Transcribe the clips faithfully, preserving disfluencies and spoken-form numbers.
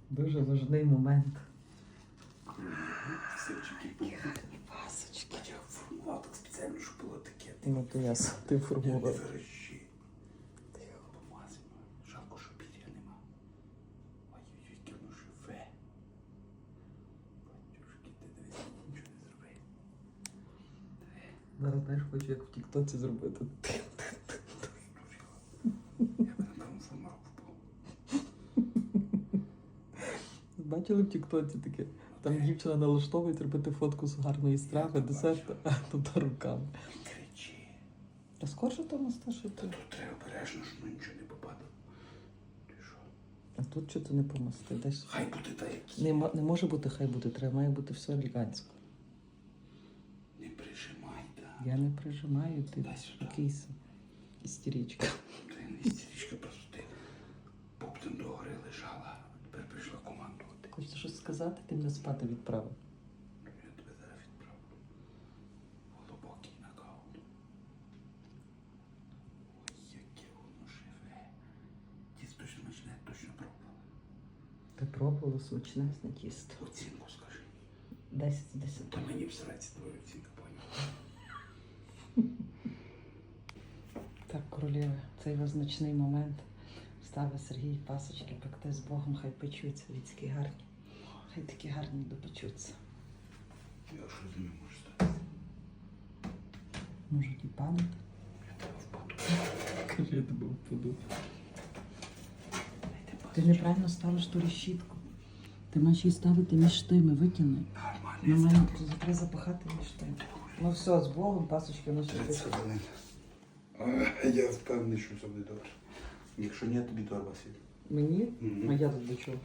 Дуже важний момент. Сирчики Які гарні пасочки. Я формував так спеціально, щоб було таке. Ну то я с- ти Не формував. верещи. Помазимо. Жалко, що пір'я нема. Ой-ой-ой, яке воно живе. Батюшки, ти дивись, нічого не зробив. Зараз знаєш, хочу як в тіктоці зробити. Я би, напевно, зламав впав. Бачили в тіктоці таке? Там дівчина налаштовує робити фотку з гарної страви, десерту, а тут руками. Не кричи. Та скорше тому що Та ти. тут треба обережно, щоб нічого не попадало. Ти що? А тут що ти не помости? Десь. Хай буде так, як є. Не, мо- не може бути, хай буде, треба, має бути все елегантсько. Не прижимай, так. Я не прижимаю, ти Дай сюди. якийсь істеричка. Ти не істеричка, просто ти поптом догори лежала, а тепер прийшла командувати. Хочеш щось сказати, ти мене спати відправив. Я тебе зараз відправлю. Глибокий нокаут. Ой, яке воно живе. Тісто смачне, точно пробувала. Ти пробувала смачне тісто. Оцінку скажи. десять з десяти. Та мені всрається твоя оцінка, поняв. Так, королева, цей визначний момент. Ставить Сергій пасочки пекти з Богом, хай печуться, людські гарні. Хай такі гарні допечуться. Я що з ними можу стати? Можуть і падати. Я тебе впаду. Кажи, я тебе впаду. Дайте Ти пасочку. неправильно ставиш ту решітку. Ти маєш її ставити між тими, викинай. Нормально, Ми я маємо ставлю. треба запахати між тими. Ну все, з Богом, пасочки наші тридцять печуть. хвилин. А, Я впевнений, що все буде добре. Якщо ні, тобі торба сіде. Мені? Мгм. А я тут до чого?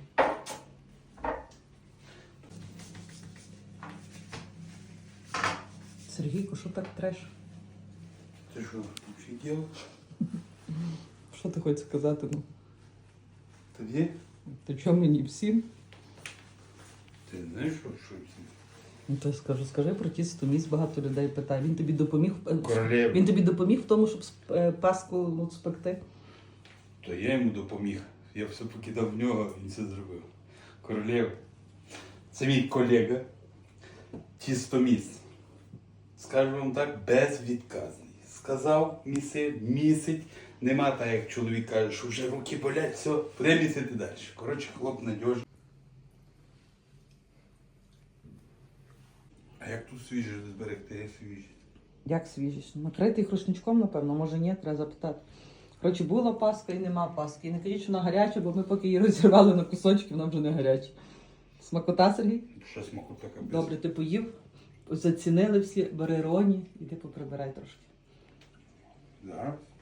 Сергійко, що так треш? Ти що, офігел? Що ти хочеш сказати? Ну, Тобі? ти чого мені всім? Ти знаєш, що, що всі? Ну, то я скажу, скажи про тісто місць, багато людей питає. Він тобі допоміг е, Королева. Він тобі допоміг в тому, щоб сп- е, паску ну, спекти? То я йому допоміг. Я все покидав в нього, він все зробив. Королєв. Це мій колега. Тістоміс. Скажу вам так, безвідказний. Сказав, місив, місить. Нема так, як чоловік каже, що вже руки болять, все, буде місити далі. Коротше, хлоп надіжний. А як тут свіже зберегти свіжість? Як свіжість? Накритий рушничком, напевно, може ні, треба запитати. Коротше, була паска і нема паски. І не кажіть, що вона гаряча, бо ми поки її розірвали на кусочки, вона вже не гаряча. Смакота, Сергій? Що смаку така без? Добре, ти поїв, зацінили всі, бери Роні, іди поприбирай трошки. Зараз.